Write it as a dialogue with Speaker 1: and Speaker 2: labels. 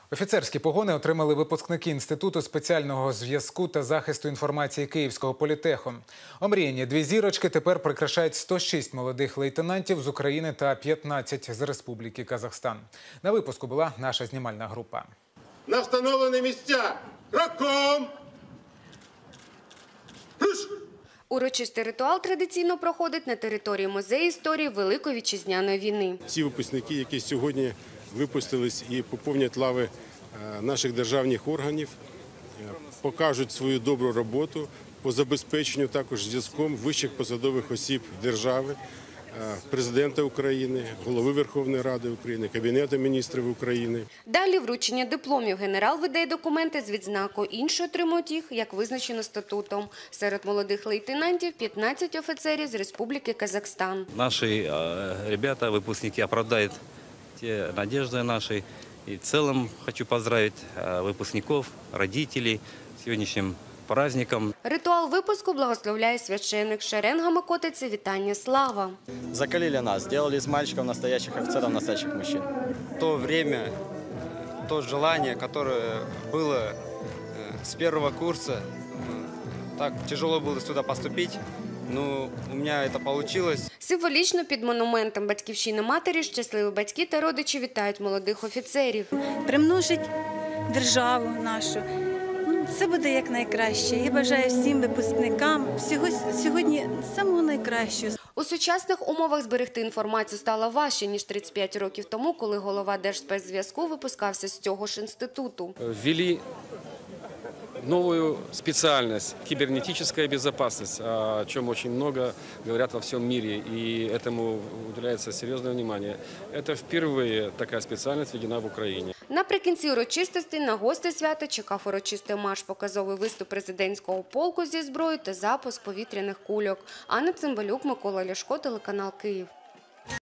Speaker 1: Офіцерські погони отримали випускники Інституту спеціального зв'язку та захисту інформації Київського політеху. Омріяні дві зірочки тепер прикрашають 106 молодих лейтенантів з України та 15 з Республіки Казахстан. На випуску була наша знімальна група.
Speaker 2: На встановлені місця! Кроком! Руш!
Speaker 3: Урочистий ритуал традиційно проходить на території музею історії Великої Вітчизняної війни.
Speaker 2: Ці випускники, які сьогодні випустились і поповнять лави наших державних органів, покажуть свою добру роботу по забезпеченню також зв'язком вищих посадових осіб держави, Президента України, Голови Верховної Ради України, Кабінету міністрів України.
Speaker 3: Далі вручення дипломів. Генерал видає документи з відзнакою, інші отримують їх, як визначено статутом. Серед молодих лейтенантів 15 офіцерів з Республіки Казахстан.
Speaker 4: Наші ребята, випускники, оправдають ті надежди наші. І в цілому хочу поздравити випускників, родителей з сьогоднішнім праздником.
Speaker 3: Ритуал випуску благословляє священник. Шеренгами котиться вітання слава.
Speaker 5: Закалили нас, сделали из мальчиков настоящих офицеров, настоящих мужчин.
Speaker 6: То время, то желание, которое было с первого курса, так тяжело было сюда поступить, но у меня это получилось.
Speaker 3: Символічно під монументом Батьківщини матері щасливі батьки та родичі вітають молодих офіцерів.
Speaker 7: Примножить державу нашу. Все буде як найкраще. Я бажаю всім випускникам сьогодні самого найкращого.
Speaker 3: У сучасних умовах зберегти інформацію стало важче, ніж 35 років тому, коли голова Держспецзв'язку випускався з цього ж інституту.
Speaker 8: Ввели новую специальность – кибернетическая безопасность, о чем очень много говорят во всем мире, и этому уделяется серьезное внимание. Это впервые такая специальность введена в Украине.
Speaker 3: Наприкінці урочистостей на гостей свята чекав урочистий марш, показовий виступ президентського полку зі зброєю та запуск повітряних кульок. Анна Цимбалюк, Микола Ляшко, телеканал Київ.